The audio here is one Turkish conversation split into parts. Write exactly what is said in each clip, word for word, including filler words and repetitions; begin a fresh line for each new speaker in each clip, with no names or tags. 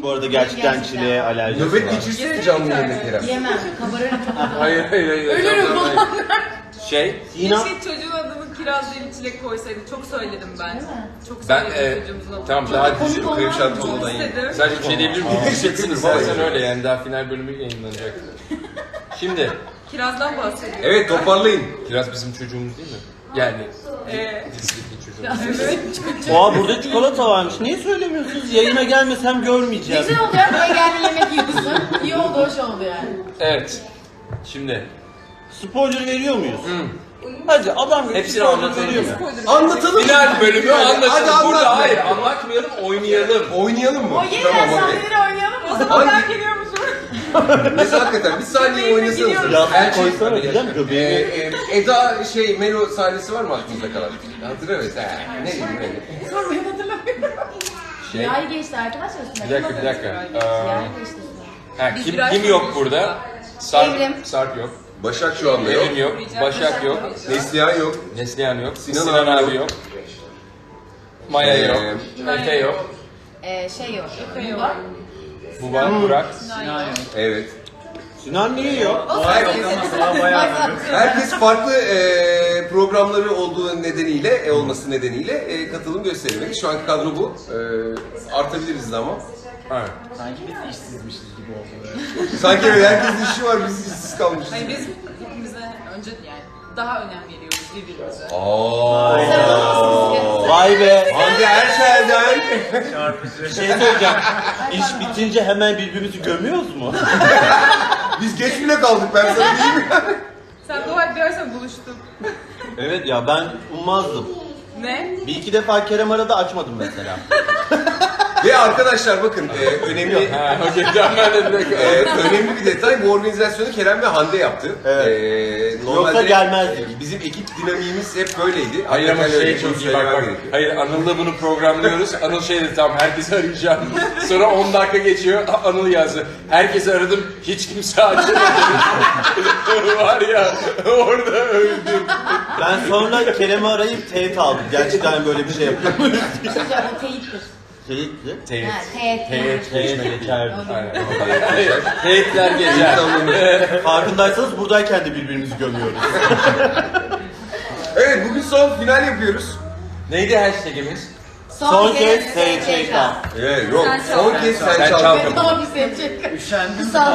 Bu arada gerçekten
Gerçekten.
çileğe alerjisi
Nöbet
var.
geçirsene canlı yayında Kerem.
Yemem. Kabarırım.
Hayır hayır hayır.
Ölürüm
Hayır.
falan.
Şey,
Sinem,
Keşke çocuğun adını kiraz değil çilek koysaydı. Çok söyledim ben.
Değil mi?
Çok
ben
söyledim
e,
çocuğumuzun adını.
tamam daha
komik
düşün.
olmaz
Krem
mı?
şanti
Çok
olmadan yiyin.
istedim.
Sadece bir şey diyebilir miyim? Teşekkürsünüz.
Teşekkür
Bazen
ederim.
öyle yani daha final bölümü yayınlanacak. Şimdi,
Kirazdan bahsediyorum.
Evet toparlayın.
Kiraz bizim çocuğumuz değil mi? Yani
Ee,
dizideki çocuğumuz.
evet.
oha burada çikolata varmış. Niye söylemiyorsunuz? Yayına gelmesem görmeyeceğim.
Güzel oluyor. Buraya geldin yemek yiyorsun. İyi oldu, hoş oldu yani.
Evet. Şimdi,
Spoiler veriyor muyuz? Hadi adam gibi
hepsini
spoiler
anlatalım
veriyor
mı?
mu?
Anlatalım.
Final bölümü
Hadi
anlaşalım. Burada
anlat.
hayır anlatmayalım, oynayalım.
Oynayalım mı?
O yeniden
Tamam okey.
sahneleri oynayalım mı?
O zaman ben
Hangi-
geliyormuşum.
Mesela hakikaten bir saniye oynasanız.
Yastık
Her şey...
koysana diyeceğim
Ee,
göbeğini.
e, Eda şey Melo sahnesi var mı aklınızda kalan? Hatırlamıyoruz. Ha, ne diyeyim ne?
Sonra ben hatırlamıyorum.
Şey,
Yay geçti arkadaşlar üstüne.
bir dakika bir dakika.
Yay
Ee,
geçti üstüne.
ha,
Biz
kim,
biraz
kim yok
konuştuk
burada?
da.
Sarp,
Evrim.
Sarp yok.
Başak şu anda yok.
Evrim yok. Başak yok.
Neslihan yok.
Neslihan yok.
Sinan
Sinan,
abi
abi yok. Maya
Ee,
yok. Efe yok.
Ee, şey yok.
yok.
Var.
Buba, Burak.
Evet.
Sinan niye yok?
Herkes farklı e, programları olduğu nedeniyle, e, olması nedeniyle e, katılım göstermek. Şu anki kadro bu. E, artabiliriz de ama.
Evet.
Sanki biz işsizmişiz gibi oldu.
Sanki öyle herkesin işi var, biz işsiz kalmışız.
Hayır biz hepimize önce yani daha önem veriyoruz birbirimize.
Aa.
Vay be.
Hande Erçel'den.
Bir şey söyleyeceğim. İş bitince hemen birbirimizi gömüyoruz mu?
Biz geç bile kaldık, ben sana diyeyim mi?
Sen dua et dersen buluştuk.
Evet ya ben ummazdım.
Ne?
Bir iki defa Kerem aradı açmadım mesela.
Ve arkadaşlar bakın e, önemli
Ha, okey. Tamam ben de bir dakika.
e, önemli bir detay, bu organizasyonu Kerem ve Hande yaptı.
Evet.
E,
Yoksa gelmezdik.
Bizim ekip dinamiğimiz hep böyleydi.
Hayır ama
Hakikaten öyle,
şey çok
bunu
iyi bak
söylemem
bak.
gerekiyor.
Hayır Anıl'la bunu programlıyoruz. Anıl şey dedi tamam herkesi arayacağım. Sonra on dakika geçiyor Anıl yazdı. Herkesi aradım hiç kimse açmadı. Var ya orada öldüm.
Ben sonra Kerem'i arayıp teyit aldım. Gerçekten böyle bir şey yapıyor muyuz?
Bir şey söyleyeyim, o teyittir.
Teyitli.
Teyit.
Ha, teyit.
Teyit.
Teyit geçerdi.
Aynen. Teyitler gezer.
Farkındaysanız buradayken de birbirimizi gömüyoruz.
Evet, bugün son final yapıyoruz.
Neydi hashtagimiz?
Son kez S Ç K.
Evet, yok.
Sen çal.
Son kez sen,
Sen
çal.
çal.
Son bir seçecek.
Üşendim
Bir
mi?
saat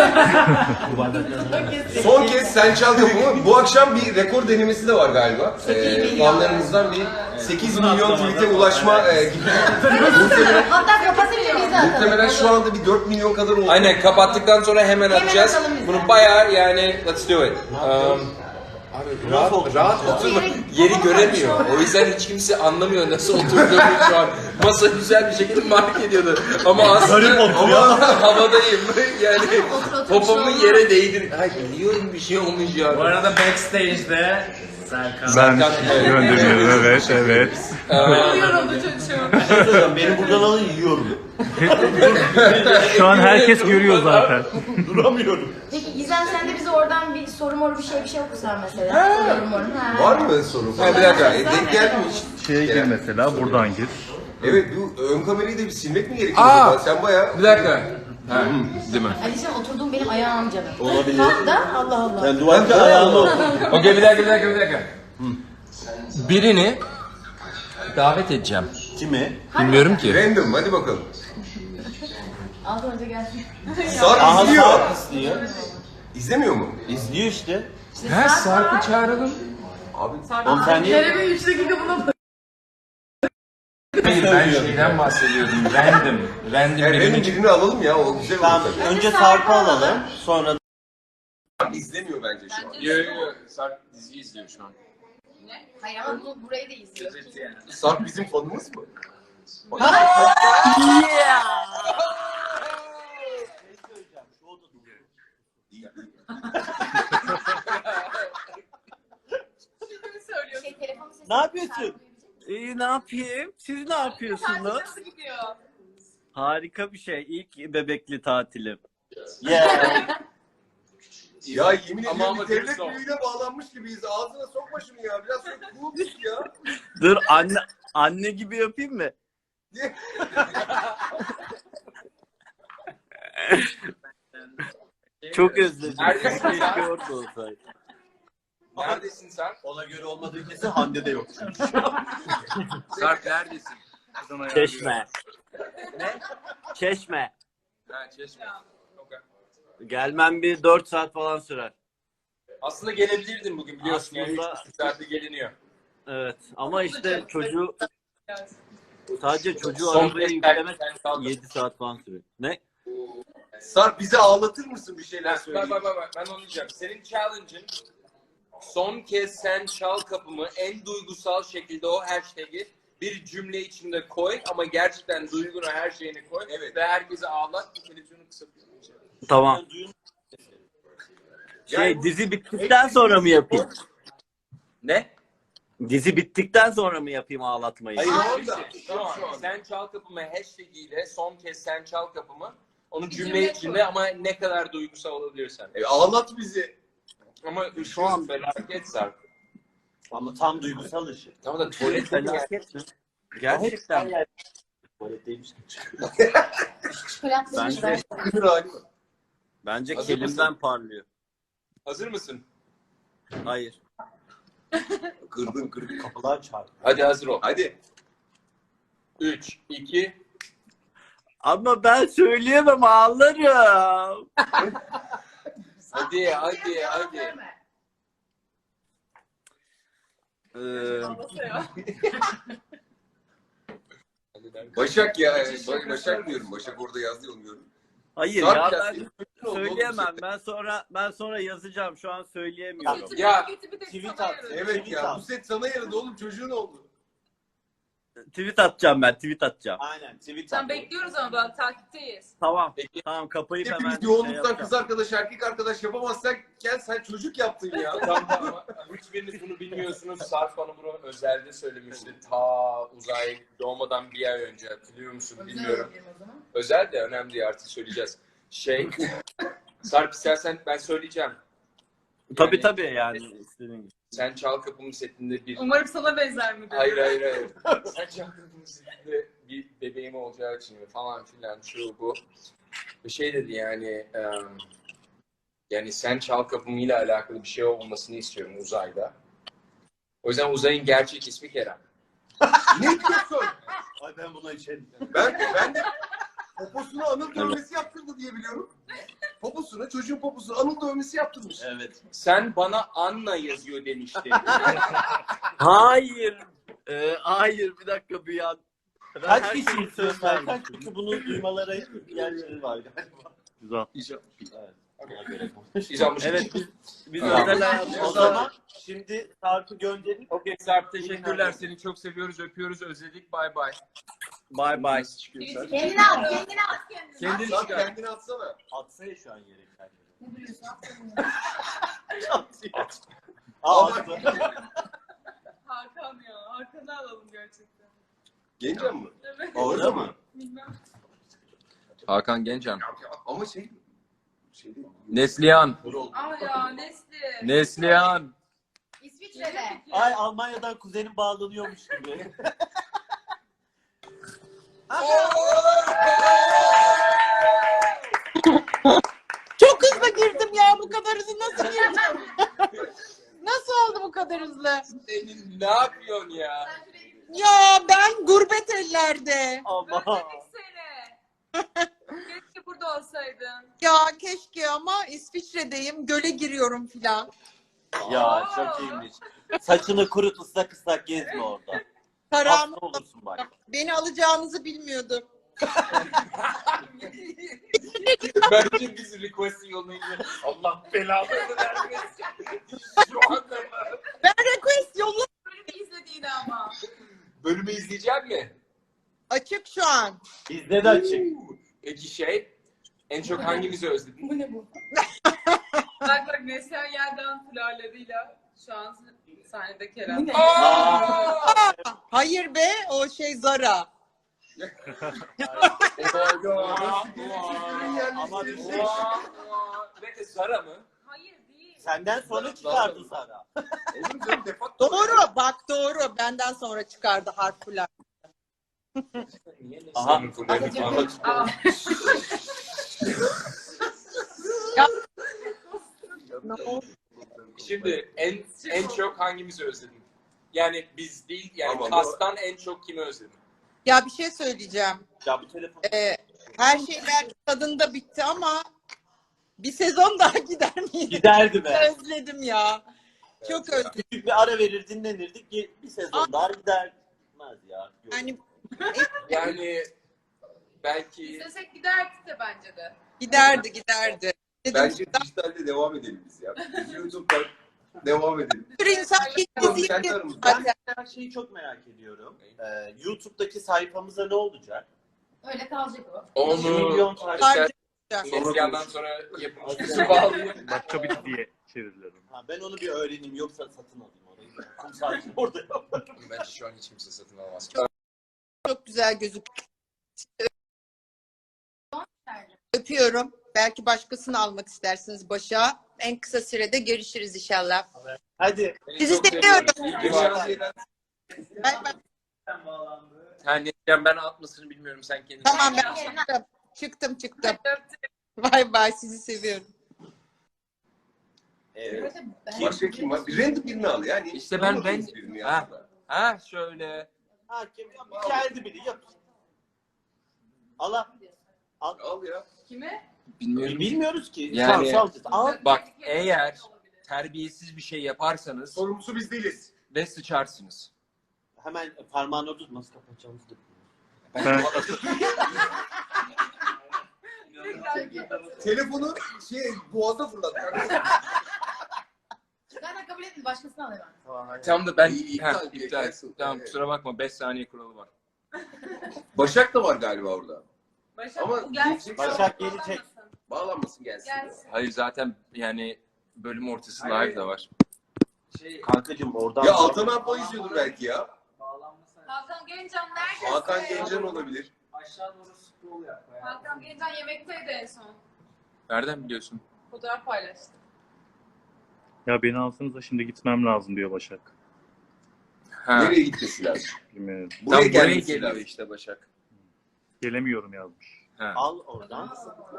Son kez sen çal kapımı. Bu akşam bir rekor denemesi de var galiba.
Sekiz
Ee,
milyon.
fanlarımızdan bir sekiz milyon tweet'e ulaşma e, gibi. muhtemelen,
Hatta kapatınca biz de atalım.
muhtemelen şu anda bir dört milyon kadar oldu.
Aynen kapattıktan sonra hemen
Hemen
atacağız.
atalım biz de.
Bunu bayağı yani let's do it. Um, Abi rahat, rahat oturma. Yeri göremiyor. O yüzden hiç kimse anlamıyor nasıl oturduğumu şu an. Masa güzel bir şekilde mark ediyordu. Ama aslında ama havadayım. Yani
Otur, otur,
popomun
bir şey
yere değdi. Ay biliyorum bir şey olmuş ya.
Bu arada backstage'de Serkan.
Ben
Evet.
gönderiyorum, evet, evet.
Yoruldu çocuğum.
Bir şey söyleyeceğim, beni buradan alın yiyorum.
Şu an herkes görüyor zaten.
Duramıyorum.
Peki Gizem sen de bize oradan bir soru moru bir şey bir şey okusan mesela. Yorum morum. Ha.
Var mı soru? Ha, bir dakika. E, denk geldi mi hiç?
Şeye gir mesela, buradan gir.
Evet, bu ön kamerayı da bir silmek mi gerekiyor?
Aa!
acaba? Sen bayağı...
Bir dakika. Ha, değil mi?
Alişan oturduğum benim ayağım canım.
Olabilir.
Kalk da Allah Allah.
Sen duvarda ayağını otur.
Okey bir dakika bir dakika bir dakika. Birini davet edeceğim.
Kimi?
Bilmiyorum ki.
Random, hadi bakalım.
Altı önce gelsin.
Sarp
Aha
izliyor.
Sarp istiyor.
İzlemiyor mu?
İzliyor işte.
Ha Sarp'ı çağıralım.
Abi
Oğlum sen niye?
Kerem'in üç dakika buna
Hayır ben şeyden bahsediyordum. Random. Random
yani
birini
random birini alalım ya, o güzel olur
Tamam,
tabii.
önce Sarp'ı alalım. Sonra
Sarp izlemiyor bence şu an.
Yo yo yo. Sarp dizi izliyor şu an.
Hayır ama bu, burayı da izliyor.
Sarp bizim fanımız mı?
Şey, telefonu sesi-
Ne yapıyorsun?
İyi ne yapayım? Siz ne yapıyorsunuz?
nasıl gidiyor?
Harika bir şey. İlk bebekli tatilim.
Yeah.
Ya yemin
Ama
ediyorum
ama
bir devlet
dürüst ol.
büyüğüne bağlanmış gibiyiz. Ağzına sokma şunu ya. Biraz sonra cool tut ya.
Dur anne anne gibi yapayım mı? Çok özledim.
Neredesin
Keşke
sen?
orada olsaydı.
Neredesin sen?
Ona göre olmadığı kesin Hande de yok.
Sarp neredesin?
Çeşme. Ne? Çeşme.
Ha Çeşme. Okay.
Gelmem bir dört saat falan sürer.
Aslında gelebilirdin bugün biliyorsun. Yani
Aslında-
üç buçuk saatte geliniyor.
Evet ama işte çocuğu sadece çocuğu
Son
arabaya
kez
yüklemek
sen kaldın.
yedi saat falan sürüyor. Ne?
Sarp bize ağlatır mısın bir şeyler
Bak
söyleyeyim?
bak bak bak, ben onu diyeceğim. Senin challenge'ın son kez sen çal kapımı en duygusal şekilde o hashtag'i bir cümle içinde koy ama gerçekten duygunu her şeyini koy
Evet.
ve herkese ağlat. Bu televizyonu kısıtıyor.
Tamam. Şey dizi bittikten sonra mı yapayım?
Ne?
Dizi bittikten sonra mı yapayım ağlatmayı?
Hayır,
Şu
orada.
an, şu an sen çal kapımı hashtag ile son kez sen çal kapımı onu cümle
Cümle
içinde
koy.
ama ne kadar duygusal olabilirsen.
E, ağlat bizi.
Ama şu an felaket Sarp.
Ama tam duygusal ışık.
Ama da tuvalet
Felaket mi? Gerçekten. mi?
Tuvaletteymiş.
Çıkartmışız
Bence,
ben.
bence
Hazır
kelimden parlıyor.
Hazır mısın?
Hayır.
Kırdın kırdın.
Kapılar çarptı.
Hadi hazır ol.
Hadi.
üç, iki,
Ama ben söyleyemem ağlarım.
hadi hadi hadi.
Ee,
Başak ya. Ba- Başak diyorum. Başak orada yazdı olmuyorum.
hayır
Sarp
ya
ya,
ben
senin çocuğun oldu oğlum
söyleyemem.
zaten.
Ben sonra ben sonra yazacağım. Şu an söyleyemiyorum.
Ya,
tweet at.
Evet ya bu set sana yaradı oğlum çocuğun oldu.
Tweet atacağım ben. Tweet atacağım.
Aynen. Tweet
Sen
at.
bekliyoruz ama bak takipteyiz.
Tamam.
Peki.
Tamam kapayıp hemen
Hepimiz
şey
yoğunluktan
yapacağım.
kız arkadaş erkek arkadaş yapamazsak gel sen çocuk yaptın ya.
Tamam ama hiçbiriniz bunu bilmiyorsunuz. Sarp bana bunu özelde söylemişti. Ta uzay doğmadan bir ay önce hatırlıyor musun bilmiyorum. Özel de önemli değil artık söyleyeceğiz. Şey, Sarp istersen ben söyleyeceğim.
Tabii
Yani-
tabii yani istediğin gibi.
Sen Çal Kapımı setinde bir...
Umarım sana benzer mi?
Hayır hayır hayır. Sen Çal Kapımı setinde bir bebeğim olacağı için falan filan şu bu. Bir şey dedi yani... em, yani sen Çal Kapımı ile alakalı bir şey olmasını istiyorum uzayda. O yüzden uzayın gerçek ismi Kerem.
Ne diyorsun?
Ay ben buna içerim.
Ben, ben de poposuna anıl dövmesi yaptırdı diye biliyorum. Poposuna, çocuğun poposuna anıl dövmesi yaptırmış.
Evet.
Sen bana Anna yazıyor demişti.
Hayır. Ee, hayır bir dakika bir an. Ben
Kaç
her
kişi
şeyi
istiyorsun?
söylemiştim.
Kaç kişi bunu duymalara yerleri var galiba.
Güzel.
Evet. Ona göre.
İzanmış.
Evet biz, biz
Tamam.
özel hayatımızda-
O zaman şimdi Sarp'ı gönderin.
Okey Sarp teşekkürler. Seni çok seviyoruz, öpüyoruz, özledik. Bay bay.
Bye bye.
Kendini at, kendini at.
Kendini
Sarp
çıkar.
kendini atsana.
Atsana şu an yere kendini.
Ne biliyorsun?
Aa,
Ama-
attı.
Hakan ya. Hakan'ı alalım gerçekten.
Gencem mi?
Evet.
Orada mı?
Bilmem.
Hakan Gencan.
Ama şey... Şey değil.
Neslihan.
Ama ya Nesli.
Neslihan.
İsviçre'de.
Ay Almanya'dan kuzenim bağlanıyormuş gibi.
Çok hızlı girdim ya, bu kadar hızlı nasıl girdim? Nasıl oldu bu kadar hızlı?
Senin ne yapıyorsun ya?
Ya ben gurbet ellerde.
Ama
Özledik seni. Keşke burada olsaydın.
Ya keşke ama İsviçre'deyim, göle giriyorum filan.
Ya çok iyiymiş. Saçını kurut ıslak ıslak gezme orada.
Param
Hasta olursun bak.
beni alacağınızı bilmiyordum.
Bence biz request'i yollayınca Allah belanı vermesin. Şu anda mı?
Ben request yolla
Bölümü izlediğini ama.
Bölümü izleyecek mi?
açık şu an.
Bizde de açık.
Peki şey, en çok hangimizi özledin?
Bu ne bu? Bak bak Neslihan Yeldan flörleriyle şu an sahnede Kerem.
Aa!
Hayır be, o şey Zara.
Ama bir şey.
Ve Zara mı?
Hayır değil.
Senden sonra çıkardı sana.
Olur canım defakto.
Doğru, bak doğru. Benden sonra çıkardı harfler.
Niye
Aha.
Neslihan'ın fullerini falan
Aa.
Şimdi en en çok hangimizi özledin? Yani biz değil, yani
Ama bu-
kastan en çok kimi özledin?
Ya bir şey söyleyeceğim.
Ya bu telefon.
Ee, her şey belki tadında bitti ama bir sezon daha gider miydi?
Giderdi be.
Özledim ya. Çok özledim.
Küçük bir ara verir dinlenirdik. Bir sezon daha gidermez ya. Yok.
Yani
Yani belki
İstesek giderdik de bence de.
giderdi giderdi. Dedim,
Bence dijitalde devam edelim biz ya. Biz YouTube'da devam edelim.
bir sürü insan
Kendi
izleyecek
aramızda.
zaten.
Ben her şeyi çok merak ediyorum. Ee, YouTube'daki sayfamıza ne olacak?
Öyle kalacak o.
iki
onu
milyon takip.
Harcayacak.
Neslihan'dan sonra yapımcısı bağlayayım.
Başka bir diye çevirdiler onu.
Ha, ben onu bir öğreneyim yoksa satın alayım orayı. Kum saati orada yaparım.
Bence şu an hiç kimse satın almaz.
Çok güzel gözüküyor. Öpüyorum. Belki başkasını almak istersiniz başa. En kısa sürede görüşürüz inşallah.
Hadi.
Sizi
Çok
seviyorum.
İyi ki varsın.
Bay bay.
Ha, Neslihan ben atmasını bilmiyorum, sen kendin.
Tamam ben çıktım. Çıktım çıktım. Bay bay, sizi seviyorum.
Evet.
Başka kim var? Bir random birini al yani.
İşte ben-
Tanımadığımız
ben-
birini
Ha.
aslında.
Ha şöyle.
Ha, kim? Geldi biri yap. Allah. Al.
Al ya.
Kimi?
Bilmiyorum.
Bilmiyoruz ki.
Yani-
Sal, sal. Al.
Bak, eğer terbiyesiz bir şey yaparsanız
Sorumlusu biz değiliz.
ve sıçarsınız.
Hemen parmağını orada tut, nasıl kapatacağımızı da
Ben,
Telefonu şey boğaza fırlat.
Zaten kabul etmedi. Başkasını alayım ben.
Tamam, hadi.
Tam da ben
İyi, iyi,
ha,
iptal,
iptal.
cancel.
Tamam,
Evet.
kusura bakma, beş saniye kuralı var.
Başak da var galiba orada.
Başak
Ama
bu gelecek.
gelecek-
Başak gelecek.
Bağlanmasın gelsin.
Gelsin.
Hayır, zaten yani bölüm ortası live da var.
Kankacığım oradan.
Ya Altan Alpa izliyordur belki ya.
Hakan Gencan neredesin?
Hakan Gencan olabilir.
Hakan Gencan yemekteydi en son.
Nereden biliyorsun?
Fotoğraf paylaştı.
ya beni alsanız da şimdi gitmem lazım diyor Başak.
Ha.
Nereye gitmesi lazım?
Bilmiyorum.
Tam
Buraya
buraya
gelmesi
geliyor
lazım.
işte Başak.
Gelemiyorum yazmış.
Ha.
Al oradan.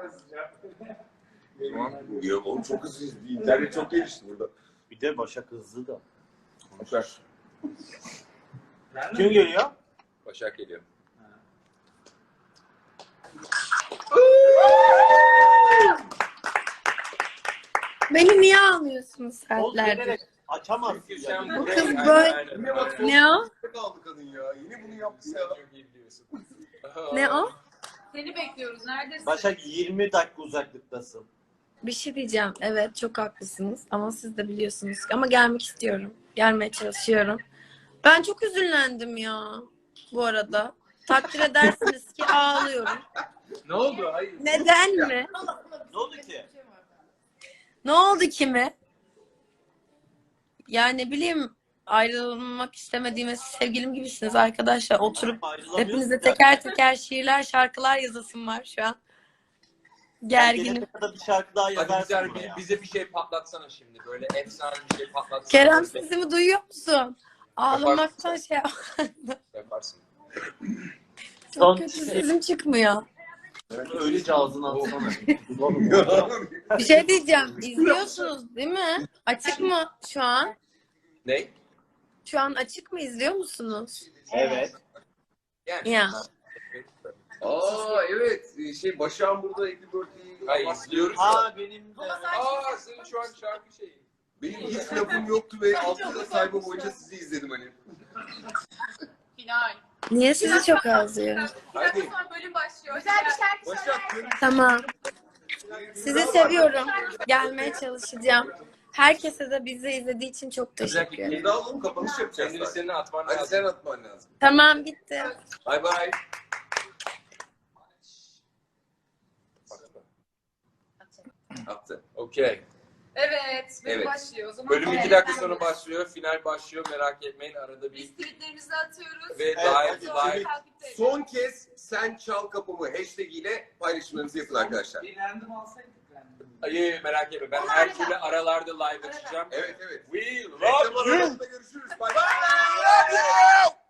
Tamam.
Ya oğlum çok hızlı. İnternet çok gelişti burada.
Bir de Başak hızlı da.
Süper.
Kim geliyor?
Başak geliyor.
Beni niye almıyorsunuz
Oğlum
saatlerdir?
bilerek açamazsın.
Çünkü sen
Yani.
Bu
buraya-
kız
Aynen,
böyle-
aynen,
Yine bak
aynen.
Ne o?
Ne kaldı kadın ya? Yine bunu yaptı ya.
Çok iyi biliyorsun.
Ne o?
Seni bekliyoruz. Neredesin?
Başak yirmi dakika uzaklıktasın.
Bir şey diyeceğim. Evet çok haklısınız ama siz de biliyorsunuz. Ama gelmek istiyorum. Gelmeye çalışıyorum. Ben çok üzüldüm ya bu arada. Takdir edersiniz ki ağlıyorum.
Ne oldu? Hayır.
Neden mi?
Ne oldu ki?
Ne oldu ki mi? Yani ne bileyim ayrılmak istemediğimiz sevgilim gibisiniz arkadaşlar. Oturup
Ayrılamıyorsun
hepinize
ya.
teker teker şiirler, şarkılar yazasım var şu an. Gerginim.
Gelene kadar bir şarkı daha
Hadi
yazarsın
bize,
buraya.
bize bir şey patlatsana şimdi. Böyle efsane bir şey patlatsana.
Kerem sesimi duyuyor musun? Ağlamaktan şey
Yaparsın.
çok
Son-
kötü sesim çıkmıyor.
Öylece ağzına atsana.
Bir şey diyeceğim. İzliyorsunuz değil mi? Açık mı şu an?
Ne?
Şu an açık mı izliyor musunuz?
Evet.
Yani.
Ya.
Aa evet. Şey Başak'ın burada Happy Birthday'i.
Hayır, izliyoruz da.
Aa benim de.
Aa, senin şu an şarkı şeyi.
Benim hiç lafım yoktu ve altı yıl sayfa boyunca sizi izledim hani.
Final.
Niye sizi çok ağlıyor?
Bir dakika sonra bölüm başlıyor.
Güzel bir şarkı
Başak
söyle.
görüşürüz.
Tamam. Sizi seviyorum. Gelmeye çalışacağım. Herkese de bizi izlediği için çok teşekkür ederim.
Şimdi alalım kapanış yapacağız.
Kendini
zaten.
senin atman
Hadi
lazım.
sen atman lazım.
Tamam gitti.
Bye bye. Attı.
Okey.
Evet. Bölüm
Evet.
başlıyor. O zaman
Bölüm
Evet.
iki dakika sonra başlıyor. Final başlıyor. Merak etmeyin. Arada
Biz
bir
tweetlerimizi atıyoruz.
ve
Evet,
live
hadi.
live.
Takipteyiz.
Son kez sen çal kapımı hashtag ile paylaşımlarınızı yapın arkadaşlar.
Hayır, merak etme. Ben her türlü aralarda live açacağım.
Evet evet.
We love
Reklam
you.
arasında görüşürüz. Bye bye.